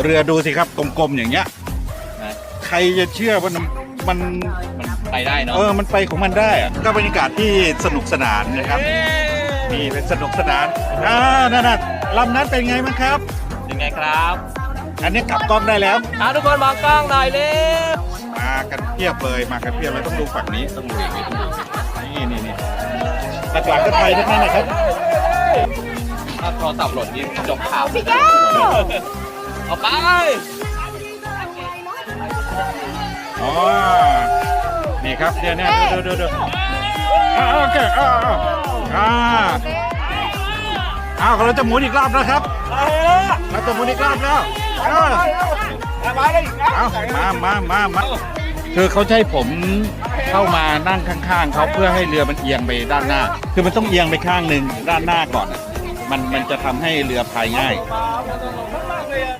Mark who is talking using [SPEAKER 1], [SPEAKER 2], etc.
[SPEAKER 1] เรือดูสิครับกลมๆอย่างเงี้ยใครจะเชื่อว่ามัน
[SPEAKER 2] ไปได้เนาะ
[SPEAKER 1] มันไปของมันได้อะก็บรรยากาศที่สนุกสนานนะครับนี่เป็นสนุกสนานนั่นลำนั้นเป็นไงบ้างครับ
[SPEAKER 2] ยังไงครับ
[SPEAKER 1] อันนี้กลับกล้องได้แล้ว
[SPEAKER 2] ทุกคนมองกล้องหน่อยเร็ว
[SPEAKER 1] มากันเพียบเลยต้องดูฝั่งนี้ต้องดูอย่างนี้นี่หลักๆก็ไทยทั้งนั้นนะครับ
[SPEAKER 2] ถ้าโทรศัพท์หล่นนี่จบข่าวพี่แก้วเอาไป
[SPEAKER 1] นี่ครับเดี๋ยวนี้ดูโอเคเราจะหมุนอีกรอบนะครับเราจะหมุนอีกรอบแล้วมาคือเขาให้ผมเข้ามานั่งข้างๆเขาเพื่อให้เรือมันเอียงไปด้านหน้าคือมันต้องเอียงไปข้างหนึ่งด้านหน้าก่อนมันจะทำให้เรือพายง่าย